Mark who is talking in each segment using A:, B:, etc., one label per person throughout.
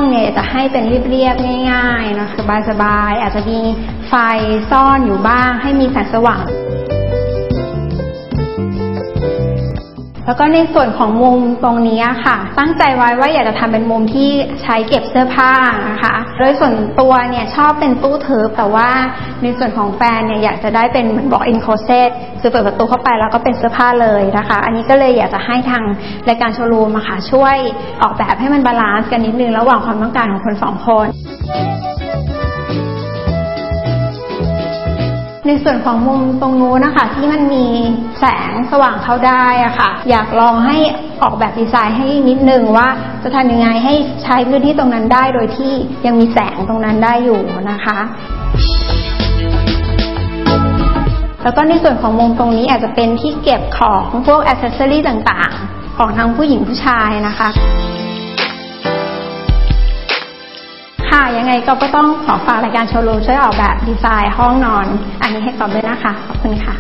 A: เนี่ยจะให้เป็นเรียบๆง่ายๆนะสบายๆอาจจะมีไฟซ่อนอยู่บ้างให้มีแสงสว่างแล้วก็ในส่วนของมุมตรงนี้ค่ะตั้งใจไว้ว่าอยากจะทำเป็นมุมที่ใช้เก็บเสื้อผ้านะคะโดยส่วนตัวเนี่ยชอบเป็นตู้ทึบแต่ว่าในส่วนของแฟนเนี่ยอยากจะได้เป็นเหมือนบอกอินโคเซตคือเปิดประตูเข้าไปแล้วก็เป็นเสื้อผ้าเลยนะคะอันนี้ก็เลยอยากจะให้ทางรายการโชว์รูมค่ะช่วยออกแบบให้มันบาลานซ์กันนิดนึงระหว่างความต้องการของคนสองคนในส่วนของมุมตรงนู้นนะคะที่มันมีแสงสว่างเข้าได้อะค่ะอยากลองให้ออกแบบดีไซน์ให้นิดนึงว่าจะทำยังไงให้ใช้พื้นที่ตรงนั้นได้โดยที่ยังมีแสงตรงนั้นได้อยู่นะคะแล้วก็ในส่วนของมุมตรงนี้อาจจะเป็นที่เก็บของพวกอิสเซอรี่ต่างๆของทั้งผู้หญิงผู้ชายนะคะค่ะยังไงก็ต้องขอฝากรายการโชว์รูมช่วยออกแบบดีไซน์ห้องนอนอันนี้ให้กอบด้วยนะคะขอบคุณค่ะ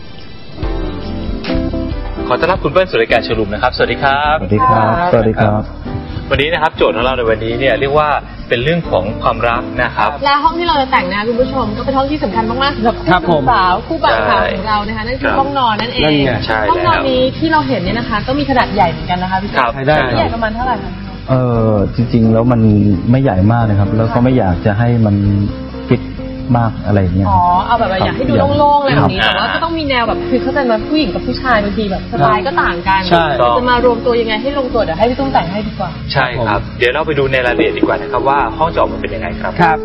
B: ขอต้อนรับคุณเปิ้ลสู่รายการโชว์รูมนะครับสวัสดีครับ
C: สวัสดีครับสวัสดีครับ
B: วันนี้นะครับโจทย์ของเราในวันนี้เนี่ยเรียกว่าเป็นเรื่องของความรักนะครับ
D: และห้องที่เราจะแต่งนะคุณผู้ชมก็เป็นห้องที่สำคัญมากๆสำหรับคู่สาวคู่บ่าวสาวของเรานะคะนั่นคือห้องนอนนั่นเองห้องนอนนี้ที่เราเห็นเนี่ยนะคะก็มีขนาดใหญ่เหมือนกันนะคะพี่
B: ครับ
D: ใหญ่ประมาณเท่าไหร่คะ
C: จริงๆแล้วมันไม่ใหญ่มากนะครับแล้วก็ไม่อยากจะให้มันฟิตมากอะไรเงี้ย
D: เอาแบบอยากให้ดูโล่งๆอะไรแบบนี้แต่ว่าก็ต้องมีแนวแบบคือเข้าใจมาผู้หญิงกับผู้ชายบางทีแบบสไตล์ก็ต่างกันจะมารวมตัวยังไงให้ลงตัวเดี๋ยวให้พี่ตุ้มแต่งให้ดีกว่า
B: ใช่ครับเดี๋ยวเราไปดูในรายละเอียดดีกว่านะครับว่าห้องจะออกมาเป็นยังไงครับ
C: ครับ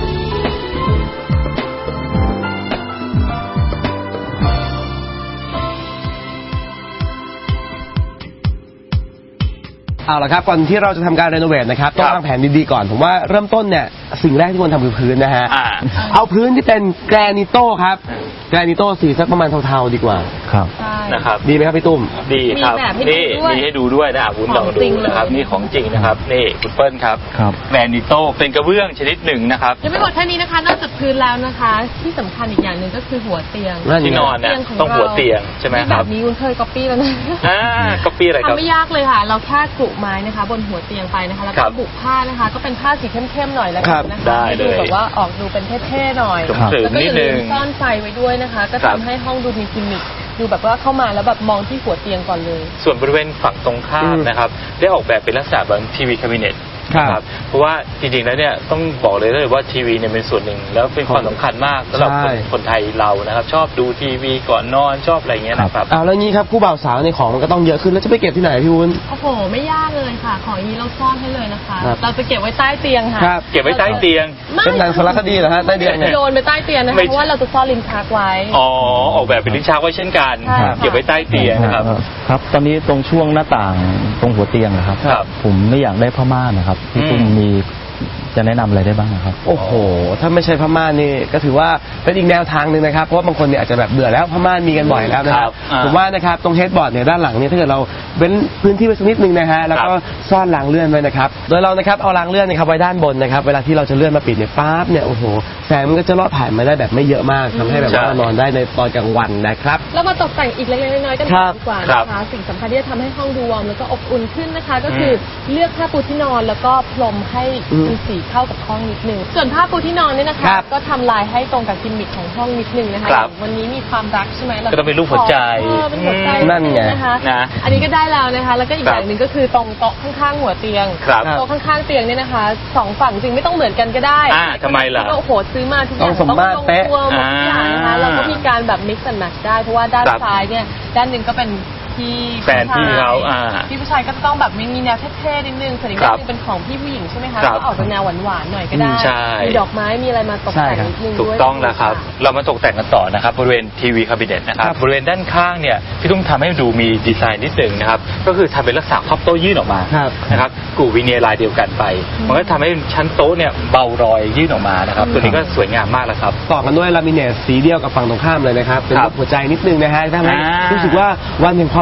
C: เอาละครับก่อนที่เราจะทำการรีโนเวทนะครับต้องวางแผนดีๆก่อนผมว่าเริ่มต้นเนี่ยสิ่งแรกที่ควรทำคือพื้นนะฮะเอาพื้นที่เป็นแกรนิโต้ครับแกรนิโต้สีสักประมาณเทาๆดีกว่าครับ
B: นะครับ
C: ดีไหมครับพี่ตุ้ม
B: ดีครับนี่มีให้ดูด้วยนะคุณลองดูนะครับนี่ของจริงนะครับนี่คุณเปิ้ลครับแกรนิโต้เป็นกระเบื้องชนิดหนึ่งนะครับ
D: ยังไม่หมดแค่นี้นะคะนอกจากพื้นแล้วนะคะที่สำคัญอีกอย่างหนึ่งก็คือหัวเตียง
B: ที่นอนเนี่ยต้องหัวเตียงใช่ไหมครับ
D: แบบนี้คุณเคยก๊อปปี้แล้วนะ
B: ก๊อปปี้อะไรครับ
D: ทำไม่ยากเลยค่ะเราแค่กรุไม้นะคะบนหัวเตียงไปนะคะแล้วก็บุกผ้านะคะก็เป็นผ้าสีเข้มๆหน่อยแล้วกันนะคะดูแบบว่าออกดูเป็นเท่ๆหน่อยแล้วก็อย่าลืมซ่อนไฟไว้ด้วยนะคะก็ทำให้ห้องดูมีกิมมิคดูแบบว่าเข้ามาแล้วแบบมองที่หัวเตียงก่อนเลย
B: ส่วนบริเวณฝั่งตรงข้ามนะครับได้ออกแบบเป็นลักษณะแบบทีวีคาบิเนตครับเพราะว่าจริงๆแล้วเนี่ยต้องบอกเลยว่าทีวีเนี่ยเป็นส่วนหนึ่งแล้วเป็นความสำคัญมากสำหรับคนไทยเรานะครับชอบดูทีวีก่อนนอนชอบอะไรเงี้ยนะครับ
C: แล้วงี้ครับคู่บ่าวสาวในของมันก็ต้องเยอะขึ้นแล้วจะไปเก็บที่ไหนพี่วุ้น
D: โอ้โหไม่ยากเลยค่ะของนี้เราซ่อนให้เลยนะคะเราจะเก็บไว้ใต้เตียงค่ะ
B: เก็บไว้ใต้เตียง
C: เป็นหนังสารคดีเหรอฮะใต้เตียง
D: โยนไปใต้เตียงนะคะเพราะว่าเราจะซ่อนลิ้นชักไว้
B: ออกแบบเป็นลิ้นชักไว้เช่นกันเก็บไว้ใต้เตียงนะครับ
C: ครับตอนนี้ตรงช่วงหน้าต่างตรงหัวเตียงนะครับผมไม่อยากได้ผ้าม่านนะครับพี่ตุ้มมีจะแนะนำอะไรได้บ้างครับโอ้โหถ้าไม่ใช่ผ้าม่านนี่ก็ถือว่าเป็นอีกแนวทางหนึ่งนะครับเพราะว่าบางคนเนี่ยอาจจะแบบเบื่อแล้วผ้าม่านมีกันบ่อยแล้วนะครับผมว่านะครับตรงเฮดบอร์ดเนี่ยด้านหลังเนี่ยถ้าเกิดเราเว้นพื้นที่ไว้สักนิดนึงนะฮะแล้วก็ซ่อนรางเลื่อนไว้นะครับโดยเรานะครับเอารางเลื่อนนะครับไว้ด้านบนนะครับเวลาที่เราจะเลื่อนมาปิดเนี่ยป๊าบเนี่ยโอ้โหแสงมันก็จะลอดผ่านมาได้แบบไม่เยอะมากทำให้แบบว่านอนได้ในตอนกลางวันนะครับ
D: แล้วมาตกแต่งอีกเล็กๆน้อยๆกันดีกว่านะคะสิ่งสำคัญที่จะทำให้ห้องดูวอร์มแล้วก็อบอุ่นขึ้นนะคะก็คือเลือกผ้าปูที่นอนแล้วก็พรมให้มีสีเข้ากับห้องนิดนึงส่วนผ้าปูที่นอนเนี่ยนะคะก็ทำลายให้ตรงกับกิมมิคของห้องนิดนึงนะคะวันนี้มีความรักใช่ไหม
B: ก็ต้องเป็นรูปหัวใจ
C: นั่นไง
D: นะคะอันนี้ก็ได้แล้วนะคะแล้วก็อีกอย่างหนึ่งก็คือตรงโต๊ะข้างๆหัวเตียงโต๊ะข้างๆเตียงเนี่ยนะคะสองฝั่งจริงไม่ต้องเหมือนกันก็ได้
B: ทำไมล่ะ
D: โอ้โหซื้อมาทุกอย่างต้องลงตัวหมดทุกอย่างนะคะเราก็มีการแบบ mix and match ได้เพราะว่าด้านซ้ายเนี่ยด้านหนึ่งก็เป็นที่
B: แฟนพี่เขา
D: พี่ผู้ชายก็ต้องแบบมีแนวเท่ๆนิดนึงส่วนอีกด้านนึงเป็นของพี่ผู้หญิงใช่ไหมคะก็ออกเป็นแนวหวานๆหน่อยก็ได้มีดอกไม้มีอะไรมาตกแต่งนิดนึงด้วย
B: ถูกต้องแล้วครับเรามาตกแต่งกันต่อนะครับบริเวณทีวีคาบิเนตนะครับบริเวณด้านข้างเนี่ยพี่ตุ้มทำให้ดูมีดีไซน์นิดนึงนะครับก็คือทำเป็นลักษณะพับโต๊ะยื่นออกมานะครับกู่วิเนียร์ลายเดียวกันไปมันก็ทำให้ชั้นโต๊ะเนี่ยเบารอยยื่นออกมานะครับตัวนี้ก็สวยงามมากแล้วครับ
C: ต่อกันด้วยลามิเนตสีเดียวกับฝั่งตรงข้ามเลยนะครับเป็นหัวใจนิดนึงนะฮะทำให้รู้สึกว่าวันแห่งความ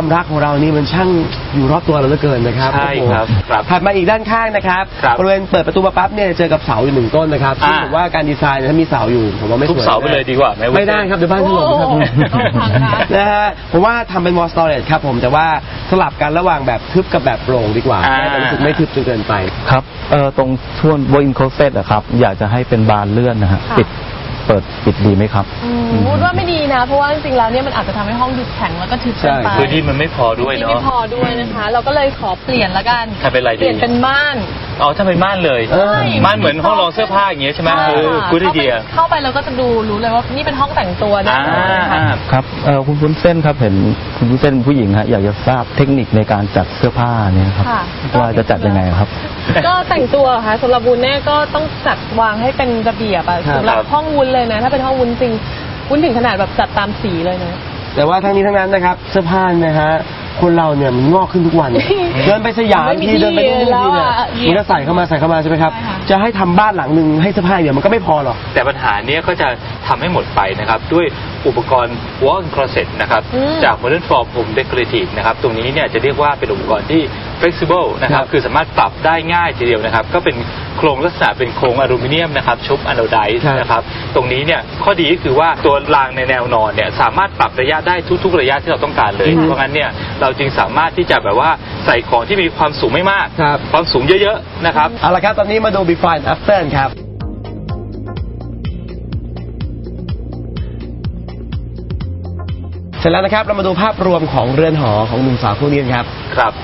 C: ความรักของเรานี่มันช่างอยู่รอบตัวเราเหลือเกินนะครับ
B: ใช่ครับ
C: ถัดมาอีกด้านข้างนะครับบริเวณเปิดประตูมาปั๊บเนี่ยเจอกับเสาอยู่1 ต้นนะครับซึ่งผมว่าการดีไซน์ถ้ามีเสาอยู่ผมว่าไม่สวย
B: ทุบเสาไปเลยดีกว่า
C: ไม่ได้ครับเดี๋ยวบ้านถล่มครับนะฮะผมว่าทำเป็น wall storage ครับผมแต่ว่าสลับกันระหว่างแบบทึบกับแบบโปร่งดีกว่าให้รู้สึกไม่ทึบจนเกินไป
E: ครับตรงช่วง walk-in closet อะครับอยากจะให้เป็นบานเลื่อนนะฮะเปิดปิดดีไหมครับ
D: พูดว่าไม่ดีนะเพราะว่าจริงๆแล้วเนี่ยมันอาจจะทำให้ห้องดูแข็งแล้วก็ทึบเกินไป
B: พื้นที่มันไม่พอด้วยเนาะ
D: ไม่พอด้วยนะคะเราก็เลยขอเปลี่ยนละกันเปลี่ยนเป็นม่าน
B: ถ้าเป็นม่านเลยม่านเหมือนห้องรองเสื้อผ้าอย่างเงี้ยใช่ไหมกูได้เดีย
D: เข้าไปเราก็จะรู้เลยว่านี่เป็นห้องแต่งตัว
E: นะครับคุณวุ้นเส้นครับเห็นคุณวุ้นเส้นผู้หญิงฮะอยากจะทราบเทคนิคในการจัดเสื้อผ้าเนี่ยครับว่าจะจัดยังไงครับ
D: ก็แต่งตัวค่ะสำหรับวุ้นเนี่ยก็ต้องจัดวางให้เป็นระเบียบสำหรับห้องวุ้นเลยนะถ้าเป็นห้องวุ้นจริงวุ้นถึงขนาดแบบจัดตามสีเลยนะ
C: แต่ว่าทั้งนี้ทั้งนั้นนะครับเสื้อผ้านะฮะคนเราเนี่ยมันงอกขึ้นทุกวันเดินไปสยามทีเดินไปนู่นทีเนี่ยมันก็ใส่เข้ามาใช่ไหมครับจะให้ทำบ้านหลังนึงให้เสื้อผ้าเดี๋ยวมันก็ไม่พอหรอก
B: แต่ปัญหาเนี้ยก็จะทำให้หมดไปนะครับด้วยอุปกรณ์ walk-in closet นะครับจาก Modern Form Home Decorative นะครับตรงนี้เนี่ยจะเรียกว่าเป็นอุปกรณ์ที่ flexible นะครับคือสามารถปรับได้ง่ายทีเดียวนะครับก็เป็นโครงลักษณะเป็นโครงอลูมิเนียมนะครับชุบอะโนไดซ์นะครับตรงนี้เนี่ยข้อดีก็คือว่าตัวรางในแนวนอนเนี่ยสามารถปรับระยะได้ทุกๆระยะที่เราต้องการเลยเพราะงั้นเนี่ยเราจึงสามารถที่จะแบบว่าใส่ของที่มีความสูงไม่มากความสูงเยอะๆนะครับ
C: เอาละครับตอนนี้มาดู before and after ครับเสร็จแล้วนะครับเรามาดูภาพรวมของเรือนหอของหนุ่มสาวคู่นี้ครับ
B: ครับ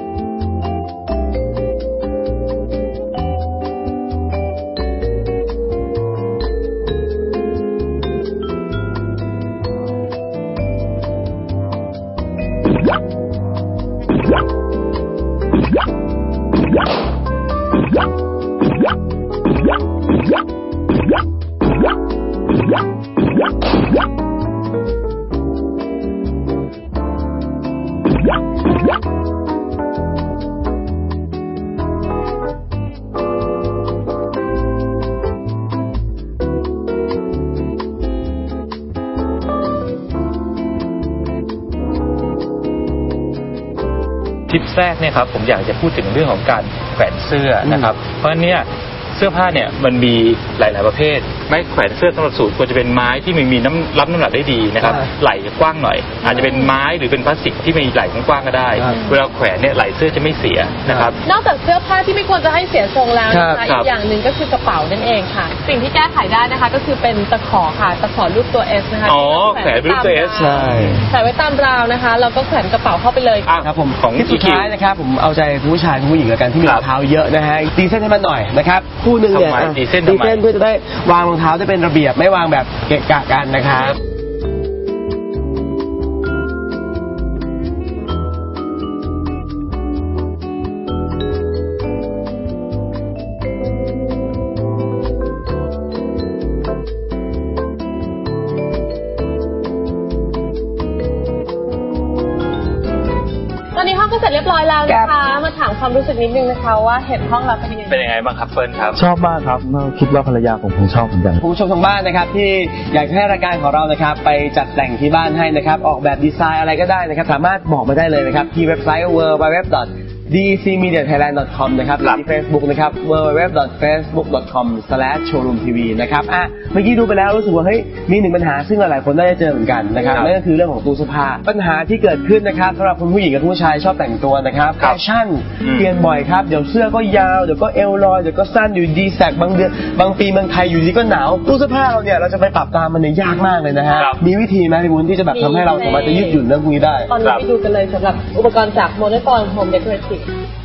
B: ทิปแรกเนี่ยครับผมอยากจะพูดถึงเรื่องของการแขวนเสื้อนะครับเพราะเนี่ยเสื้อผ้าเนี่ยมันมีหลายๆประเภทไม้แขวนเสื้อสำหรับสูทควรจะเป็นไม้ที่มีรับน้ำหนักได้ดีนะครับไหล่กว้างหน่อยอาจจะเป็นไม้หรือเป็นพลาสติกที่มีไหล่กว้างก็ได้เวลาแขวนเนี่ยไหล่เสื้อจะไม่เสียนะครับ
D: นอกจากเสื้อผ้าที่ไม่ควรจะให้เสียทรงแล้วนะคะอีกอย่างหนึ่งก็คือกระเป๋านั่นเองค่ะสิ่งที่แก้ไขได้นะคะก็คือเป็นตะขอค่ะตะขอรูปตัว S นะคะ
B: แขวนรูปตัว S
C: ใช่
D: ใส่ไว้ตามราวนะคะแล้วก็แขวนกระเป๋าเข้าไปเลย
C: ครับผมของที่สุดท้ายนะครับผมเอาใจผู้ชายผู้หญิงแล้วกันที่มีรองเท้าเยอะนะฮะตีเส้นให้มันหน่อยนะครับคู่นึงเนี่ยตีเส้นเพื่อจะได้วางรองเท้าได้เป็นระเบียบไม่วางแบบเกะกะกันนะครับ
D: อนนี้ห้องก็เสร็จเรียบร้อยแล้วนะคะมาถามความรู้สึกนิดนึงนะคะว่าเห็นห้องเราเป็น
B: ยังไงบ้างครับเฟิร์นครับ
E: ชอบมากครับคิดว่าภรรยาผมคงชอบเหมือนกัน
C: ผู้ชมทางบ้านนะครับที่อยากให้รายการของเรานะครับไปจัดแต่งที่บ้านให้นะครับออกแบบดีไซน์อะไรก็ได้นะครับสามารถบอกมาได้เลยนะครับที่เว็บไซต์ www.dcmediathailand.com นะครับหรือที่ Facebook นะครับ www.facebook.com/showroomtv นะครับเมื่อกี้ดูไปแล้วรู้สึกว่าเฮ้ยมีหนึ่งปัญหาซึ่งหลายคนน่าจะเจอเหมือนกันนะครับนั่นก็คือเรื่องของตู้เสื้อผ้าปัญหาที่เกิดขึ้นนะครับสำหรับคุณผู้หญิงกับผู้ชายชอบแต่งตัวนะครับแฟชั่นเปลี่ยนบ่อยครับเดี๋ยวเสื้อก็ยาวเดี๋ยวก็เอวลอยเดี๋ยวก็สั้นอยู่ดีแสกบางเดือนบางปีเมืองไทยอยู่ดีก็หนาวตู้เสื้อผ้าเราเนี่ยเราจะไปปรับตามมันเนี่ยยากมากเลยนะฮะมีวิธีไหมพี่บุญที่จะแบบทำให้เราสามารถจะยืดหยุ่นเรื่องพวกนี้ได้
D: ตอนนี้ไปดูกันเลยสำหรับอุปกรณ์จาก Modern Form Home Decorative